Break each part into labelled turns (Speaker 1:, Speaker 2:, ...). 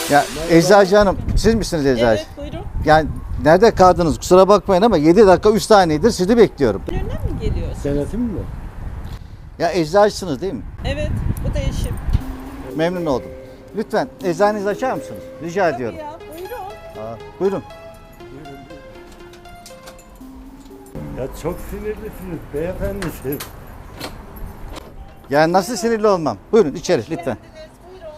Speaker 1: Ya Eczacı Hanım, siz misiniz eczacı?
Speaker 2: Evet, buyurun.
Speaker 1: Yani nerede kaldınız? Kusura bakmayın ama 7 dakika 3 saniyedir sizi bekliyorum.
Speaker 2: Önünden mi geliyorsun?
Speaker 3: Denetim mi?
Speaker 1: Ya eczacısınız değil mi?
Speaker 2: Evet, bu da eşim.
Speaker 1: Memnun oldum. Lütfen eczanenizi açar mısınız? Rica ediyorum.
Speaker 2: Tabii ya, buyurun.
Speaker 1: Buyurun.
Speaker 3: Ya çok sinirlisiniz beyefendi siz.
Speaker 1: Yani nasıl sinirli olmam? Buyurun içeri lütfen.
Speaker 2: Geldiniz, buyurun.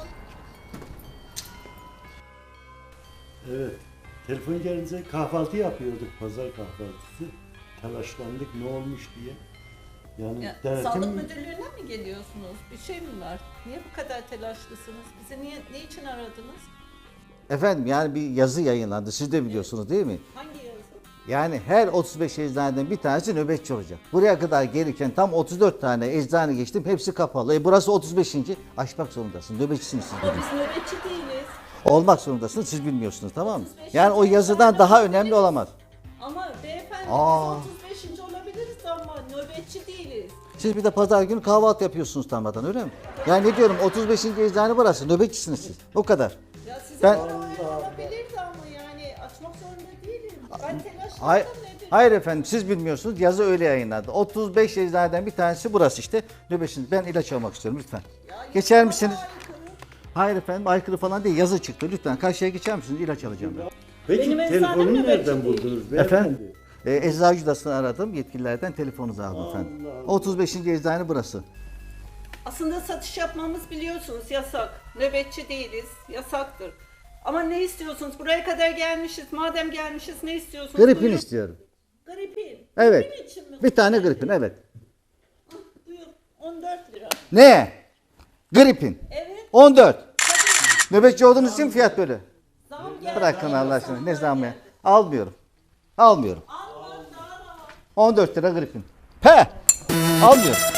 Speaker 3: Evet. Telefon gelince kahvaltı yapıyorduk, pazar kahvaltısı. Telaşlandık ne olmuş diye. Yani
Speaker 2: Ya,
Speaker 3: denetim
Speaker 2: Sağlık Müdürlüğü'ne mi geliyorsunuz? Bir şey mi var? Niye bu kadar telaşlısınız? Bizi ne için aradınız?
Speaker 1: Efendim yani bir yazı yayınlandı. Siz de biliyorsunuz değil mi?
Speaker 2: Hangi yazı?
Speaker 1: Yani her 35 eczaneden bir tanesi nöbetçi olacak. Buraya kadar gelirken tam 34 tane eczane geçtim. Hepsi kapalı. Burası 35. Açmak zorundasın. Nöbetçisiniz siz.
Speaker 2: Ama biz nöbetçi değiliz.
Speaker 1: Olmak zorundasınız. Siz bilmiyorsunuz tamam mı?
Speaker 2: 35.
Speaker 1: Yani o yazıdan daha önemli olamaz.
Speaker 2: Ama beyefendi
Speaker 1: Aa.
Speaker 2: biz 35. olabiliriz ama nöbetçi değiliz.
Speaker 1: Siz bir de pazar günü kahvaltı yapıyorsunuz tarladan öyle mi? Yani ne diyorum 35. eczane burası. Nöbetçisiniz siz. O kadar.
Speaker 2: Ya size
Speaker 1: Ben-
Speaker 2: göre öyle olabilirdi ama yani açmak zorunda değilim. Ben telaşlandım
Speaker 1: Hayır,
Speaker 2: nedir?
Speaker 1: hayır efendim siz bilmiyorsunuz. Yazı öyle yayınlandı. 35 eczaneden bir tanesi burası işte. Nöbetçisiniz. Ben ilaç almak istiyorum lütfen.
Speaker 2: Ya,
Speaker 1: Geçer
Speaker 2: bana
Speaker 1: misiniz?
Speaker 2: aykırı.
Speaker 1: Hayır efendim aykırı falan değil. Yazı çıktı. Lütfen karşıya geçer misiniz? İlaç alacağım ben.
Speaker 3: Peki
Speaker 2: Benim eczanem
Speaker 3: telefonu
Speaker 2: nöbetçi
Speaker 3: nereden
Speaker 2: değil.
Speaker 3: buldunuz beyefendi?
Speaker 1: Efendim? Eczacı odasını aradım. Yetkililerden telefonunuzu aldım efendim.
Speaker 3: Allah Allah.
Speaker 1: 35. eczane burası.
Speaker 2: Aslında satış yapmamız biliyorsunuz yasak. Nöbetçi değiliz. Yasaktır. Ama ne istiyorsunuz? Buraya kadar gelmişiz. Madem gelmişiz ne istiyorsunuz?
Speaker 1: Gripin
Speaker 2: Buyurun.
Speaker 1: istiyorum.
Speaker 2: Gripin.
Speaker 1: Evet.
Speaker 2: Gripin için mi?
Speaker 1: Bir tane gripin evet.
Speaker 2: Ah, buyur. 14 lira.
Speaker 1: Ne? Gripin.
Speaker 2: Evet.
Speaker 1: 14. Nöbetçi olduğunuz için fiyat böyle.
Speaker 2: Zam geldi.
Speaker 1: Bırakın Allah aşkına. Ne zaman ya? Almıyorum. Almıyorum.
Speaker 2: Al bak daha rahat.
Speaker 1: 14 lira gripin. He! Almıyorum.